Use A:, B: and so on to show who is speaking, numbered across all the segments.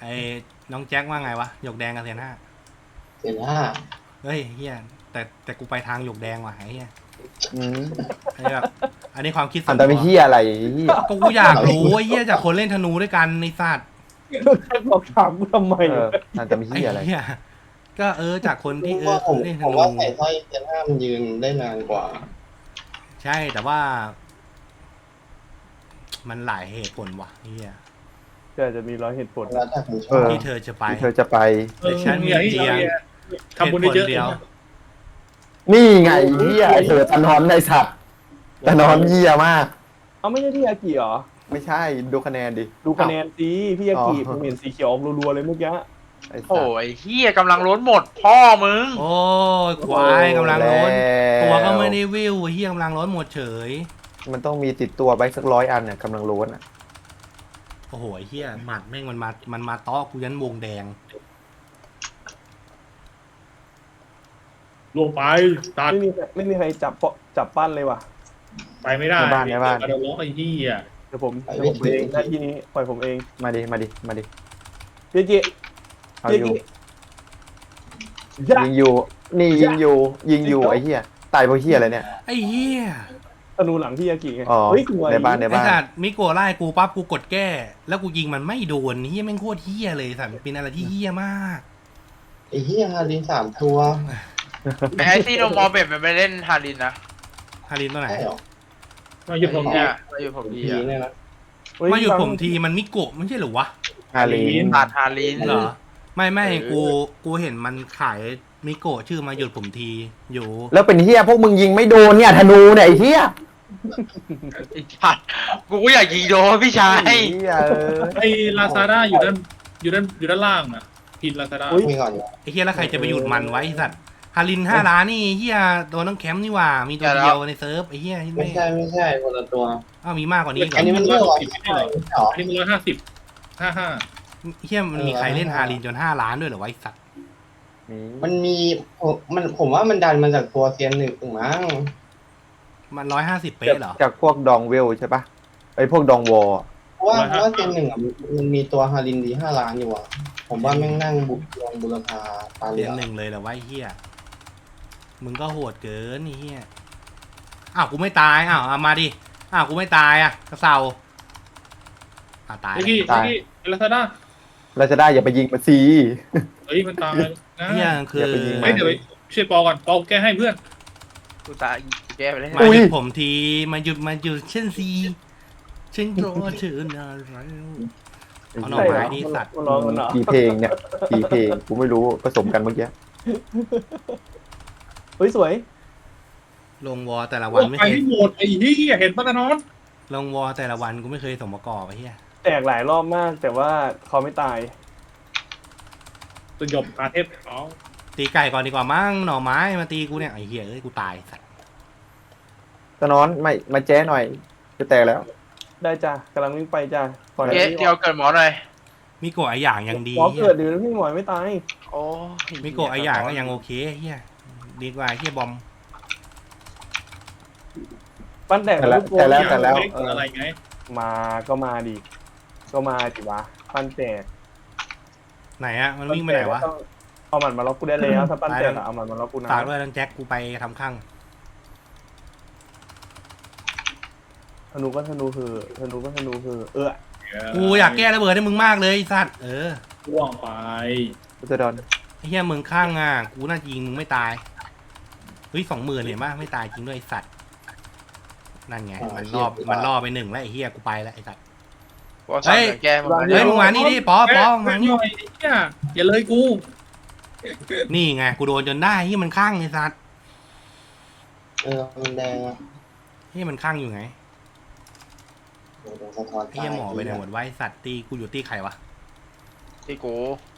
A: ไอ้น้องแจ็คว่าไงวะหยกแดงกับเซียนห้า
B: เจ็ดห้า
A: เฮ้ยเฮียแต่กูไปทางหยกแดงว่ะไอ้เฮีย
C: อืม
A: อันนี้แบบอันนี้ความคิดส่
C: อั
A: วน น
C: ต
A: ตั
C: ร
A: ว
C: เฮียอะไรเฮีย
A: ก็กูอยากรู้ไอ้เฮียจากคนเล่นธนูด้วยกันในสัตว์
D: แค่บอกถามกูทำไม
C: เอออันตร
A: ไอ้
C: เฮียอะไร
A: เฮียก็จากคนที่
B: ว่าผม
A: เล่นธ
B: ผม
A: นู
B: ว่าใส่สร้อยเจ็ดห้ามันยืนได้นานกว่า
A: ใช่แต่ว่า มันหลายเหตุผลว่ะเฮีย
D: ก็จะมีร้อยเหตุผล
B: แล้วแต่ผมช
C: เอ
B: อบ
C: อ
A: ที่เธอจะไป
C: ที่เธอจะไป
A: แต่ฉันมีเพียง
E: ทำบุญได้เยอะ
A: เหตุผลเดียว
C: นี่ไงเฮียไอเธอตะนอนในสัตว์ตะนอนเฮียมาก
D: เอาไม่ใช่พี่ยากิเหรอ
C: ไม่ใช่ดูคะแนนดิ
D: ดูคะแนนสิพี่ยากิ
C: อ๋อ
D: ผมเห็นสีเขียวออกรัวๆเลยเมื่อกี้
C: ไอ้สั
F: โอ้
C: ตว์
F: ยเฮียกำลังล้นหมดพ่อมึง
A: โอ้ยควายกำลังล้น
C: แล้ว
A: ตัวก็ไม่ได้วิวเฮียกำลังล้นหมดเฉย
C: มันต้องมีติดตัวไปสัก100 อันเนี่ยกำลังโล้นอ่ะ
A: โอ้โหไอ้เฮียหมัดแม่งมันมาต้อกูยันวงแดง
E: ลงไปตัด
D: ไม่มีใครจับปั้นเลยว่ะ
E: ไปไม่ได้
C: ในบ้านในบ้าน
E: กระโดดล็อกไอ้ที่อ่ะ
D: เดี๋ยวผมเองหน้าที่นี้ปล่อยผมเอง
C: มาดิมาดิมาดิ
D: พี่ยากิ
C: เอา
D: พี่
C: อย
D: า
C: ยู่
D: กิยะ
C: ยิงอยู่นี่ยิงอยู่ไอ้เฮียตายเพราะเฮียอะไรเนี่ย
A: ไอ้เฮีย
D: ธนูหลังพี่ยากิไง
C: อ๋อ
D: เฮ้ยสวย
C: ในบ้านใน
A: ไอ้สัตว์มิโกะไล่กูปั๊บกูกดแก้ แล้วกูยิงมันไม่โดนเฮียแม่งโคตรเฮียเลยสัตว์มันเป็นอะไรที่เฮียมาก
B: ไอ้เหี้ยฮาริน3 ตัว
F: ไอ้ที่โนมอลเบ็ดมันไปเล่นฮารินนะ
A: ฮารินตัวไหน
B: ใช่หรอ
E: มาหยุดผม
F: เนี่
E: เนี่ย ย
F: มาอยู่ผมดี
B: ผี
F: อะ
B: เนี่ยนะ
D: เฮ้ย
A: มาหยุดผมทีมันมิโกะไม่ใช่เหรอวะ
C: ฮาลีน
F: ตัดฮาริน
A: เหรอไม่กูเห็นมันขายมิโกะชื่อมาหยุดผมทีอยู่
C: แล้วเป็นเฮียพวกมึงยิงไม่โดนเนี่ยธนูเนี่ยไอ้เฮีย
F: ไอ้สัตว์กูก็อยากยิงโดนพี่ชาย
C: ไอ้เฮียเออ
E: ไอ้ลาซาด้าอยู่ด้านล่างอ่ะพินลาซาด้า
B: มีก่อน
A: ไอ้เฮียแล้วใครจะไปหยุดมันไว้ไอ้สัตว์ฮาริน5 ล้านนี่เฮียโดนต้องแคมป์นี่หว่ามีตัวเดียวในเซิร์ฟไอ้เฮีย
B: ไม่ใช่คนละตัว
A: อ้าวมีมากกว่านี้อีกเหร
B: อัน
A: อ
B: นี้มันเรื่องอะไรเหรอ
E: อันนี้มัน150 55
A: เฮียมันมีใครเล่นฮารินจน5 ล้านด้วยเหรอวะไอ้สัตว์
B: มันมีผมว่ามันดันมาจากตัวเซียนหนึ่งมั้ง
A: มัน150 เป๊ะเหรอ
C: จากพวกดองเวลใช่ปะไอ้พวกดองวอล
B: เพราะว่าเซียนหนึ่งอ่ะมันมีตัวฮารินดี5 ล้านอยู่อ่ะผมว่าแม่งนั่งบุรพาตาเห
A: เรี
B: ลื
A: ย
B: อน
A: หนึ่งเลยเหรอวะไอ้เฮียมึงก็โหดเกินไอ้เฮียอ้าวกูไม่ตายอ้าวเอามาดิอ้าวกูไม่ตายอ่ะกระเซาตาย
E: ไอ้ที่ลาซาด้า
C: เราจะได้อย่าไปยิงมันซี
E: เฮ้ยมันตายนะ
A: เฮียคือ
C: อย่าไปยิงมั
E: เฮ้ยเดี๋ยวไปช่วยปอก่อนปอแก้ให้เพื่อน
F: กูตายแก้ไปเลย
A: มาหยุดผมทีมาหยุดเช่นซีฉันรอเธอนานแล้วเอาหน่อไม้ดิสัตว์
D: มันร้องกันเหรอ
C: กี่เพลงเนี่ยกี่เพลงกูไม่รู้ผสมกันเมื่อกี้
D: เฮ้ยสวย
A: ลงวอแต่ละ
E: โอ้
A: วันไม่
E: ไป
A: เคย
E: ที่หมดไอ้ที่เห็นปะตะนอน
A: ลงวอแต่ละวันกูไม่เคยสมประกอบไอ้เฮีย
D: แตกหลายรอบมากแต่ว่าเขาไม่ตาย
E: สยบอาเทพเขา
A: ตีไก่ก่อนดีกว่ามั้งหน่อไม้มาตีกูเนี่ยไอ้เฮียเอ้ยกูตายสัตว์
C: ตะนอนไม่มาแจ้หน่อยจะแตกแล้ว
D: ได้จ้ะกำลังวิ่งไปจ้ะปล่อย
F: เอ๊ะเดี๋ยวเกิดหมอหน่อย
A: มิโกะไออย่างยังดี
D: หมอ
A: เฮี
D: เกิ
A: ย
D: ดเดี๋ยวพี่หมอยไม่ตาย
F: โอ้ย
A: มิโกะไออย่างก็ยังโอเคเฮียดีกว่าเฮียบอม
D: ปั้นแตก
C: แต่แล้ว
D: ทุกตัว
C: แต่แล้วแต่แล้ว
E: เกิดอะไรไง
D: มาก็มาดิวะปั้นแตก
A: ไหนอะมันวิ่งไปไหนวะ
D: ต้องเอาหมัดมาล็อกกูได้แล้วถ้าปั้นแตกอะเอาหมัดมาล็อกกูนะ
A: ฝากด้วยน้องแจ็คกูไปทำข้าง
D: ธนูก็ธนูคือ
A: กูอยากแก้ระเบิดให้มึงมากเลยไอ้สัตว์
E: พ่วงไป
C: พุทธดอน
A: ไอ้เฮียมึงข้างอ่ะกูน่าจะยิงมึงไม่ตายเฮ้ย20,000เห็นปะไม่ตายจริงด้วยไอ้สัตว์นั่นไงมันล่อไป1แล้วไอ้เฮียกูไปแล้วไอ้สัตว์
F: บอกสั่งเดี๋ยวแก้หมด
A: เฮ้ยมึงมานี่ดิป๊อมา
E: ห
A: นี่
E: น่อยเนี่ยอย่าเลยกู
A: นี่ไงกูโดนจนได้เฮียมันข้างไอ้สัตว์
B: มันแดงอ่ะ
A: เฮียมันข้างอยู่ไง
B: โดนสะท้อน
A: เฮียหมอไปไหนหมดไว้สัตว์ตีกูอยู่ตีใครวะ
F: ที่กู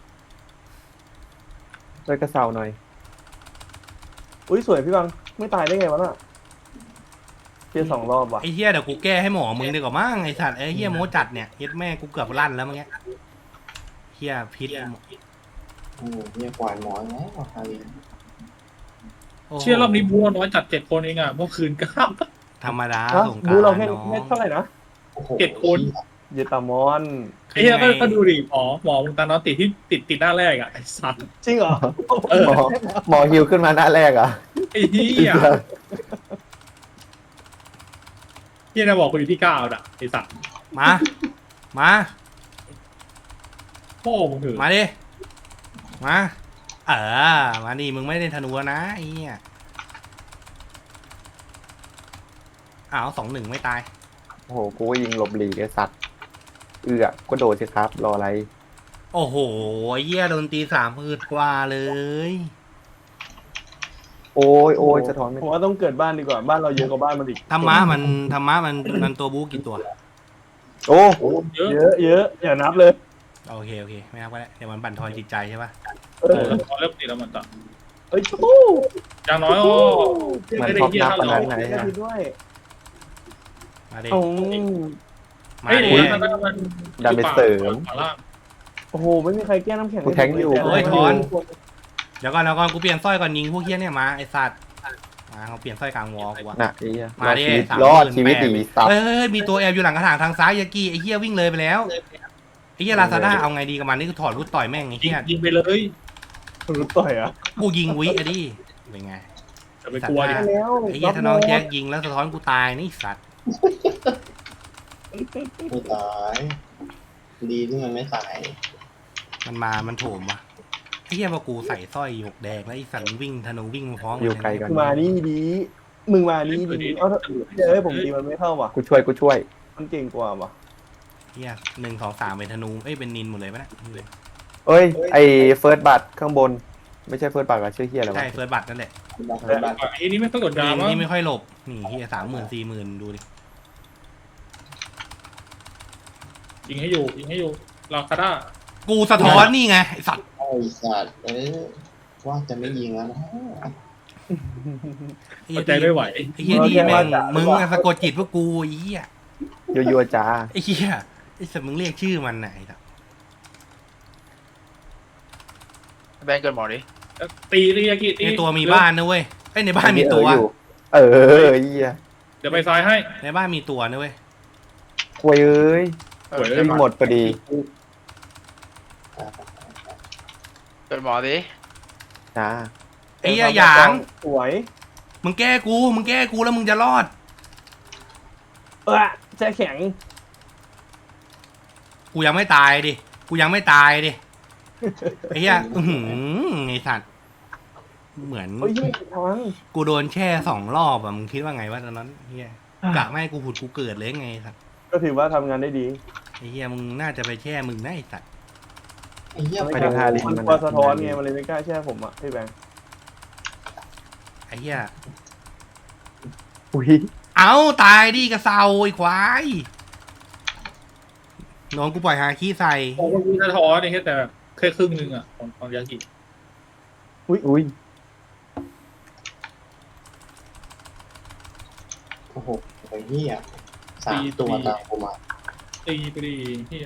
C: ด้วยกระเซาหน่อย
D: อุ้ยสวยพี่บังไม่ตายได้ไงวะน่ะเพีย2 รอบว่ะ
A: ไอ้เฮียเดี๋ยวกูแก้ให้หมอมึงดีกว่ามั้งไอ้สัตว์ไอ้เฮียโมจัดเนี่ยเฮ็ดแม่กูเกือบลั่นแล้วเมื่อกี้เฮียพิษ
B: เนี่ยกวาดหมอนแล้วฮาริน
A: โโห
E: เชื่อรอบนี้บัวน้อยจัด7 คนเองอ่ะเมื่อคืน9
A: ธรรมดา
D: ฮะ
A: สงกราน
D: บูเรา
A: ต์
D: แค่
A: น้อง
D: เท่าไหร่นะ
B: โอ้โห
E: 7 คน
D: บเยตามอน
E: ไอ้เหี้ยก็ดูดิหมอมึงตานอนติดที่ติดหน้าแรกอ่ะไอ้สัตว์
D: จริงเหรอ
C: หมอฮิวขึ้นมาหน้าแรกอ่ะ
E: ไอ้เหี้ยเหี้ยนะบอกกูอยู่ที่9อ่ะไอ้สัตว์
A: มามา
E: พ่อมึงถือ
A: มาดิมามาดิมึงไม่ได้ธนูแล้วนะไอ้เหี้ยอ้าว2-1ไม่ตาย
C: โอ้โหกูก็ยิงหลบหลีกไอ้สัตว์ก็โดดสิครับรออะไร
A: โอ้โหไอ้เหี้ยโดนตี30,000กว่าเลย
C: โอ้ยสะท้อนไม่
D: ผมว่าต้องเกิดบ้านดีกว่าบ้านเราเยอะกว่าบ้านมันอีก
A: ธรรมะมันตัวบู๊กี่ตัว
C: โอ้
E: เยอะ
D: เยอะอย่านับเลย
A: โอเคไม่นับก็ได้เดี๋ยวมันบั่นทอนจิตใจใช่ปะ
E: พอเริ่มติดแล้วมันต่อ
D: เฮ้ยชู้
E: อย่างน้อยก็
C: มัน
E: ไม่ได้
C: ท็อป
E: เหี้ย
C: นับ
E: เท่า
C: ข
E: เรา
C: นาดไหน
D: ได้
C: อะ
D: ด้วย
A: มาดิ
D: โอ้
A: มา
E: ไอ้
A: ดิ
E: เนี่ยมัน
C: ดันไปเสริม
E: ขวาล่าง
D: โหไม่มีใครแก้น้ำแข็ง
C: กูแทงอยู่
A: โอ้ยถอน เดี๋ยวก่อนกูเปลี่ยนสร้อยก่อนยิงพวกเฮี้ยเนี่ยมาไอสัตว์มาเขาเปลี่ยนสร้อยกลางวอลกูวะ
C: น่ะไอ้เหี้ย
A: มาดิ
C: รอดชีวิตดีสัตว์
A: เฮ้ยมีตัวแอบอยู่หลังกระถางทางซ้ายยากี้ไอ้เฮี้ยวิ่งเลยไปแล้วไอ้เฮี้ยลาซาด้าเอาไงดีกับมันนี่คือถอดรุดต่อยแม่งไอ้เฮี้ย
E: ยิงไปเลย
D: รู้ต่อยอ่ะ
A: กูยิงวิไอ้ดิเป็นไง
E: จะไปกลัวดิ
D: แล้ว
A: ไอ้เฮี้ยถ้าน้องแจ็คยิงแล้วสะท้อนกูตายนี่สัตว์
B: ไม่ตาย ดีที่มันไม่ตาย
A: มันโถมวะไอ้เฮี้ยพอกูใส่สร้อยหยกแดงแล้วไอ้สัตว์มันวิ่งธนูวิ่งมาพร้อม
C: อยู่ไกลกัน
D: มานี่ดีมึงมานี่ดีเอ้าเฮ้ยผมตีมันไม่เข้าว่ะ
C: กูช่วย
D: มันเก่งกว่าว่ะ
A: เฮี้ย1 2 3เป็นธนูเป็นนินหมดเลยปะเนี่ย
C: เอ้ยไอ้เฟิร์สบัตข้างบน ไม่ใช่เฟิร์สบัตอะชื่อเฮียอะไรวะ
A: ใช่เฟิร์สบัตนั่นแหละ
E: ไอ้นี่ไม่ต้องกด
A: ยิ
E: ดาง มั้ง
A: นี่ไม่ค่อยหลบนี่เฮี้ย30,000 40,000ดูดิ
E: ยิงให้อยู่ลาคาด้า
A: กูสะท้อนนี่ไงไอ้สัตว์
B: ไอ้สัตว์ว่าจะไม่ยิงแล้วนะ
E: อดใจไม่ไหว
A: ไอ้เหี้ยนี่แม่งมึงอะสะกดจิตพวกกูไอ้เหี้ย
C: ยัวๆจ้า
A: ไอ้เหี้ยไอ้สัตว์มึงเรียกชื่อมันไหนล่ะ
F: แบงเกินหมอดิ
E: ตีเรียกิตี
A: ในตัวมีบ้านนะเว้ยไอ้ยในบ้านมีตัว
C: อยู่เฮีย
E: เดี๋ยวไปซ้ายให้
A: ในบ้านมีตัวนะเว้ย
C: ควยเอ้ย
E: สวยเลย
C: วิ่งหมดพอดี
F: เกินหมอดิ
C: จ้า
A: ไอ้เหี้ยหยาง
D: สวย
A: มึงแก้กูแล้วมึงจะรอด
D: แช่แข็ง
A: กูยังไม่ตายดิไอ้เหี้ยไอ้สัตว์เหมือน
D: เฮ้ยไม่ทาง
A: กูโดนแช่2 รอบอะมึงคิดว่าไงวะตอนนั้นเหี้ยกะไม่ให้กูผุดกูเกิดเลยไงสัตว์
D: ก็ถือว่าทำงานได้ดี
A: ไอ้เหี้ยมึงน่าจะไปแช่มึงนะไอ้สัตว์
B: ไอ้เหี้ย
C: ไปทางฮาริน
D: มันกลัวสะท้อนไงมันเลยไม่กล้าแช่ผมอ่ะพี่แบงค์
A: ไอ้เหี้ย
C: อุ้ย
A: เอาตายดิกระเซาไอ้ควายน้องกูปล่อยฮาขี้ใส่
E: โอ้ยสะท้อนนี่แต่แค่ครึ่งนึงอ่ะของยากิ
C: อุ้ย
B: โอ้โหไอ้เหี้ย3 ตัวตามกูมา
E: ตีไปดีที่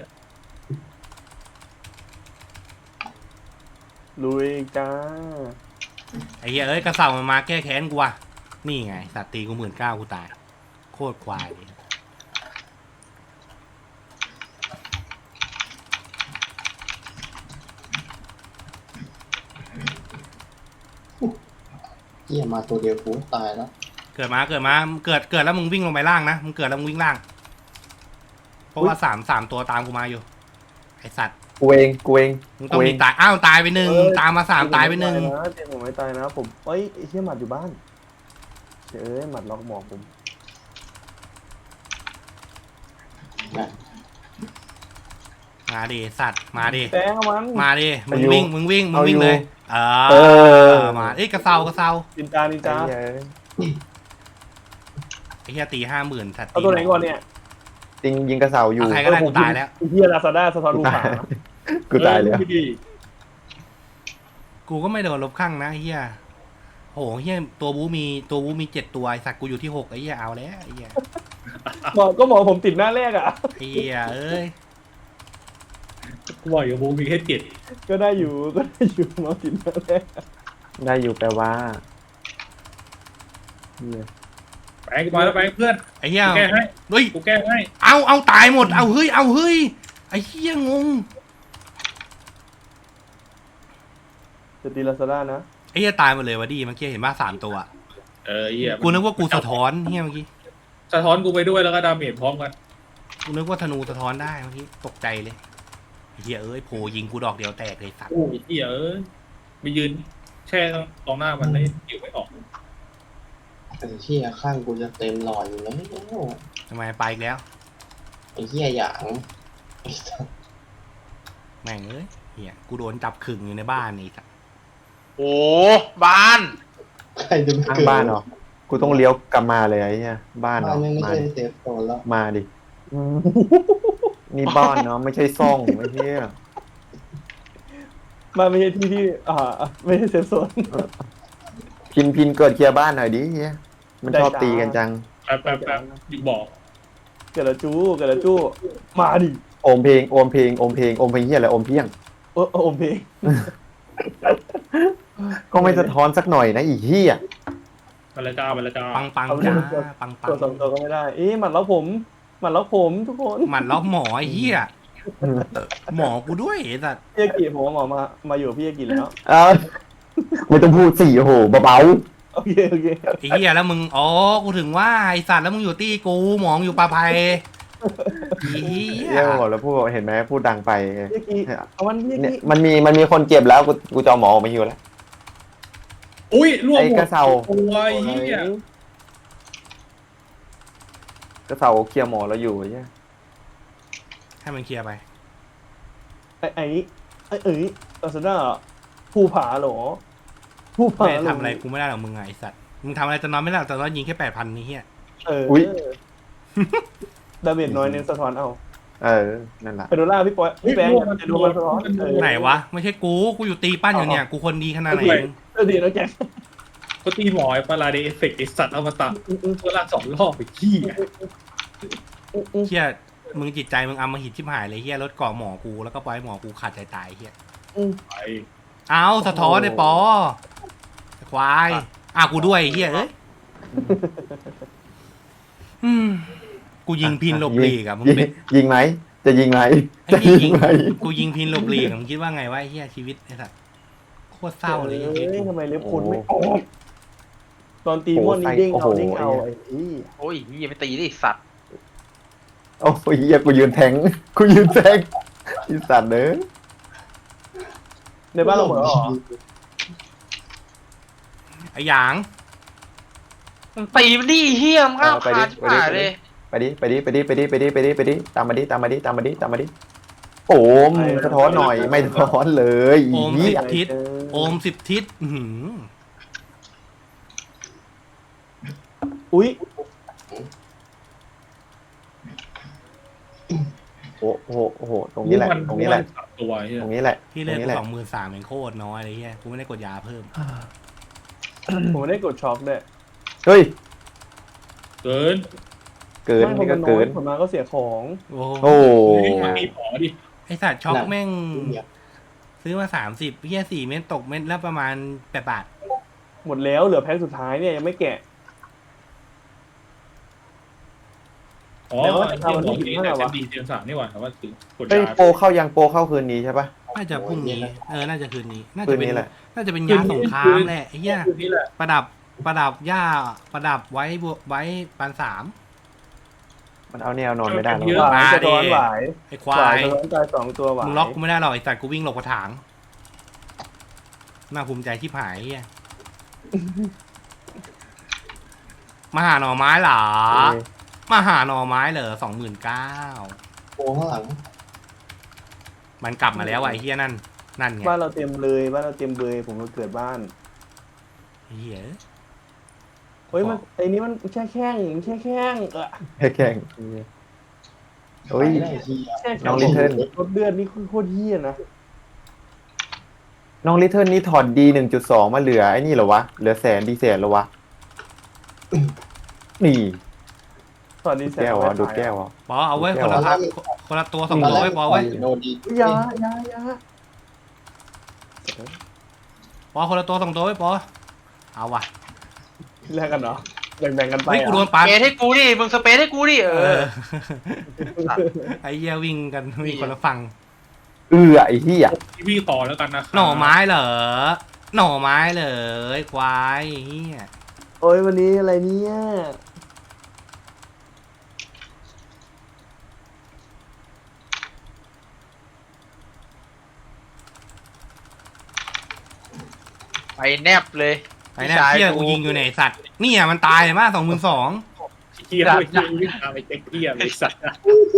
D: ลุยจ้า
A: ไอ้เหี้ยเอ้ยกระเซามันมาแก้แค้นกูว่ะนี่ไงสัตว์ตีกู19,000กูตายโคตรควายเลย
B: เหี้ยมาตัวเดียวกูตายแล้ว
A: เกิดแล้วมึงวิ่งลงไปล่างนะมึงเกิดแล้วมึงวิ่งล่าง เพราะว่าสามตัวตามกูมาอยู่ไอสัตว์
C: กูเอง
A: มึงต้องมีตายตายไป1ตามมา3ตายไป1
D: เจมผมไม่ตายนะผมเอ้ยไอ้เชี่ยหมัดอยู่บ้านเอ้ยหมัดล็อกหมอกผม
A: มาดิสัตว์มาดิ
D: แป้งเอามัน
A: มาดิมึงวิ่งเลยมาเอ้ยกระเซา
D: นินจา
C: ไอ้เหี้ย
A: ไอ้เหี้ยตี50,000สัตว์
D: เอาตัวไหนก่อนเนี่ย
C: ยิงกระเสาอยู่
A: ใครก็ได้กูตายแล้ว
D: ไอ้เฮียลาซาด้าสะท้อนลูกขา
C: กูตายแล้ว
A: กูก็ไม่โดนลบข้างนะไอ้เหี้ยโหเหี้ยตัวบูมี7 ตัวไอ้สัตว์กูอยู่ที่6ไอ้เหี้ยเอาแล้วไอ้เหี้ย
D: หมอผมติดหน้าแรกอ่ะ
A: ไอ้เหี้ยเอ้ย
E: กูบอกอยู่บูมีแค่7
D: ก็ได้อยู่หมอติดหน้าแรก
C: ได้อยู่แปลว่าเหี้ย
E: ไปกูมาแล้วไปเพื่อน
A: ไอ้เหี้ย
E: กูแก้ให้
A: เฮ้ย
E: กูแก้ให้
A: เอาตายหมดเอาเฮ้ยไอ้เหี้ยงง
D: จะตีลาซาด้านะ
A: ไอ้เหี้ยตายหมดเลยวะดิเมื่อกี้เห็นป่ะ3 ตัว
E: เหี้ย
A: กูนึกว่ากูสะท้อนเหี้ยเมื่อกี้
E: สะท้อนกูไปด้วยแล้วก็ดาเมจพร้อมกัน
A: กูนึกว่าธนูสะท้อนได้เมื่อกี้ตกใจเลยไอ้เหี้ยเอ้ยโผยิงกูดอกเดียวแตกเลยสัตว์
E: โอ้ยเหี้ยไปยืนแช่ตรงหน้ามันเลยอยู่ไม่ออก
B: ไอ้เหี้ยข้างกูจะเต็มหลอดอยู่แล้ว
A: ทำไมไปอีกแล้ว
B: ไอ้เหี้ยหยางไอ้สัส
A: แม่งเอ้ยเหี้ยกูโดนจับขึงอยู่ในบ้านนี่สัตว์
F: โอ้บ้าน
B: ใครจะไป
C: ข้าง
B: เกิด
C: บ้านเหรอกูต้องเลี้ยวกลับมาเลยไอ้เหี้ยบ้านเหร
B: บ้า
C: อน
B: ไม่
C: มา
B: ใช่
C: ดิ
B: เซฟโซนแล้ว
C: มาดินี่บ้านเนาะไม่ใช่ซ่องไม่ใช่
D: มาไม่ใช่ที่ไม่ใช่เซฟโซน
C: พินเกิดเคลียร์บ้านหน่อยดิเฮียมันชอบตีกันจัง
E: แป๊บอยู่บอก
D: เกิดละจู้มาดิ
C: โอมเพลงเฮียอะไรโอมเพียง
D: โอมเพลง
C: ก็ไม่สะท้อนสักหน่อยนะอีเฮีย
E: มาแล้วจ้า
A: ปังจ้าปัง
D: ตัวสองตัวก็ไม่ได้หมัดล็อกผมทุกคน
A: หมันล็อกหมอไอ้เหี้ยหมอกูด้วยไอ้สัตว์
D: พี่ยากิผมว่าหมอมาอยู่กับพี่ยากิแล้ว
C: เอาไม่ต้องพูดสี่โอ้โหเบา
D: โอเค
A: ไอ้เหี้ยแล้วมึงอ๋อกูถึงว่าไอ้สัตว์แล้วมึงอยู่ตี้กูหมองอยู่ปลาไพไอ้เหี้
C: ๆ
A: ย
C: เรียกบอกแล้วพูดเห็นไหมพูดดังไป
D: พี่ยากิเอาวันพี่ยา
C: เนี่ย
D: กิ
C: มันมีคนเจ็บแล้วกูจะเอาหมอออกมาฮิวแล้ว
E: อุ้ยรวม
C: ไอ้
E: หม
C: ก
E: ด
C: ระเซา
E: ตัวไอ้เหี้ย
C: กระเซาเคลียร์หมอแล้วอยู่ไอ้เหี้ย
A: ให้มันเคลียร์ไป
D: ไอ้ลาซาด้าผู้ผาเหรอผู้ผา
A: ไม่ได้ทำอะไรกูไม่ได้หรอกมึงไงไอ้สัตว์มึงทำอะไรจะนอนไม่ได้หรอกแต่นอนยิงแค่8,000นี่เหี้ย
D: ดาเมจน้อยเน้นสะท้อนเอา
C: นั่นแหละ
D: ไปดูล่าพี่ปอยพี่แบงค์จะดูมันสะท้อน
A: ไหนวะไม่ใช่กูอยู่ตีปั้นอยู่เนี่ยกูคนดีขนาดไหน
D: ดีแล้วแก
E: ก็ตีหมอไอ้ปาราเดเอฟเฟกต์ไอ้สัตว์อมตะตัวละ2 รอบไปขี้
A: เหี้ยมึงจิตใจมึงอำมหิตชิบหายเลยเหี้ยรถเกาะหมอกูแล้วก็ปล่อยหมอกูขาดใจตายเหี้ย
E: ไป
A: เอาสะท้อนไอ้ปอควายกูด้วยไอ้เหี้ยเอ้ยกูยิงพินหลบหลีกอะมึงเป็น
C: ยิงไหมจะยิงไหม
A: ไอ้
C: จะ
A: นี่
C: ยิงไหม
A: กูยิงพินหลบหลีกมึงคิดว่าไงวะไอ้เหี้ยชีวิตไอ้สัตว์โคตรเศร้าเลยไอ้เหี้ย
D: ทำไมเล็บคุณไม่ออกตอนตีม่วนนี่เด้งเอาไอ้ที่
F: โอ้ยเหี้ยไม่ตีดิสัตว์
C: โอ้ยเฮียกูยืนแทงอีสัตว์เด้อ
D: ในบ้านเราเหมือนหรอ
A: ไอ้หยาง
F: มึงตีมันดิเหี้ยมึงห้ามขาดชิบหายเลย
C: ไปดิตามมาดิโอ้มสะท้อนหน่อยไม่สะท้อนเลย
A: โอม
C: เหี้ย
A: 10 ทิศโอม10 ทิศ
D: อุ้ย
C: โอ้โหตรงนี้แหละ
E: ตัวเหี้ย
C: ตรงนี้แหละ
A: ที่เลือกกู23,000เองโคตรน้อยเลยเหี้ยกูไม่ได้กดยาเพิ่ม
D: ผมได้กดช็อคด้วย
C: เฮ้ย
E: เกิน
C: นี่ก็เกิน
D: ผลมาก็เสียของ
A: โอ้
C: โอ้
E: มีหมอดิ
A: ไอสัตว์ช็อกแม่งซื้อมา30เหี้ย4 เม็ดตกเม็ดละประมาณ8 บาท
D: หมดแล้วเหลือแพ็คสุดท้ายเนี่ยยังไม่แกะ
E: อ๋อ
D: แต่ว่า
E: ไอ้
D: ทำวัน
E: หม
D: ที่
E: อ
D: 15
E: นี่แต่
D: วะ
E: จะดีเตียง3นี่หว่าแต่ว่าถึงกด
C: เฮ้ย
E: ยา
C: โปรเข้ายังโปรเข้าคืนนี้ใช่ปะ
A: น่าจะพรุ่งนี้น่าจะคืนนี้น่า
C: คื
A: จะ
C: น
A: เป็น
C: นี้แหละ
A: น่าจะเป็นยาสงครามแหละไอ้เหี้ย
E: นี่แหละ
A: ประดับหญ้าประดับไว้ปาน3
C: มันเอาแนวนอนไม่ได้แล้ว
D: หวายสะท้อนหวาย
A: ไอ้ควา
D: หวาย
A: ย
D: สะท้อนตาย2 ตัวหวาย
A: มึงล็อกกูไม่ได้หรอกไอ้สัตว์กูวิ่งหลบกระถางน่าภูมิใจที่ผายไอ้เหี้ยมาหาหน่อไม้เหรอมาหาหน่อไม้เหรอ29,000
B: โอ้ข้างหลัง
A: มันกลับมาแล้วไอ้เหี้ยนั่นไง
D: บ้านเราเต็มเลยบ้านเราเต็มเบยผมก็เกิดบ้าน
A: ไอ้เหี้ย
D: เฮ้ยมันไอ้นี้มันแช่แข้ง
C: แข่งโอ้ย
B: ได้ที
D: แช่แข้
C: น้องลิเทิล
D: รถเลือดนี่โคตรเหี้ยนะ
C: น้องลิเทิลนี่ถอดดี 1.2 มาเหลือไอ้นี่เหรอวะเหลือแสนเหรอวะนี่
D: สวัสดีแซ
C: แก้วอ่ะดูดแก้วอ่ะ
A: ปอเอาไว้คนละตัว2 ตัวไว้ปอไว้
B: โนดี
D: ยา
A: ปอคนละตัว2 ตัวไว้ปอเอาว่ะ
D: แลกกันเหรอแบ่งๆกันไป
A: เฮ้ยกูโด
D: อ่ะ
A: นปัด
F: เปซให้กูดิมึงสเปซให้กูดิเอ
A: เอ
F: อ
A: อไอ้เหี้ยวิ่งกันวิ่งคนละฝั่ง
C: ไอ้เหี้ย
E: ที่พี่ต่อแล้วกันนะครับ
A: หน่อไม้เหรอหน่อไม้เหรอไอ้ควายไอ้เหี้ย
D: โอ้ยวันนี้อะไรเนี่ย
F: ไปแนบเลย
A: ไอ้เนี่ยเหี้ยกูยิงอยู่ในสัตว์เนี่ยมันตายเลยมาก22,000
E: เฮียด้วยเฮียวิ่งตามไปเจ๊กเฮียไอ้สัตว์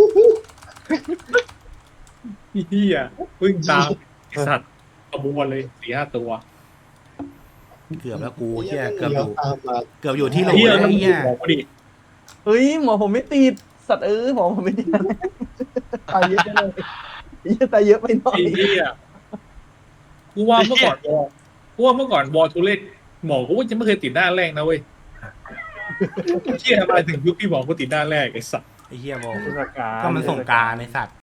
E: เฮียวิ่งตามไอ้สัตว์ขบวนเลย4-5 ตัว
A: เกือบแล้วกูเหี้ยเกือบอ
B: เลี้ยว
A: ยู่
B: ตามมา
A: เกือบอยู่ที่โหล
E: เฮีย
A: แล้ว
E: มัน
A: ไอ้เหี้ย
E: บอกกูดิ
D: เฮ้ยหมอผมไม่ติดสัตว์หมอผมไม่ติดตายเยอะไปเลยตายเยอะไปหน่อย
E: ไอ้เฮียกูว่าเมื่อก่อนวอลทูเล่หมอกูว่าจะไม่เคยติดหน้าแรกนะเว้ยเฮียมาถึงยุคที่หมอกูติดหน้าแรกไอ้สัตว์
A: ไอ้เหี้ยบอก
D: เทศกาล
A: ก็มันส่งกรารในสัตว์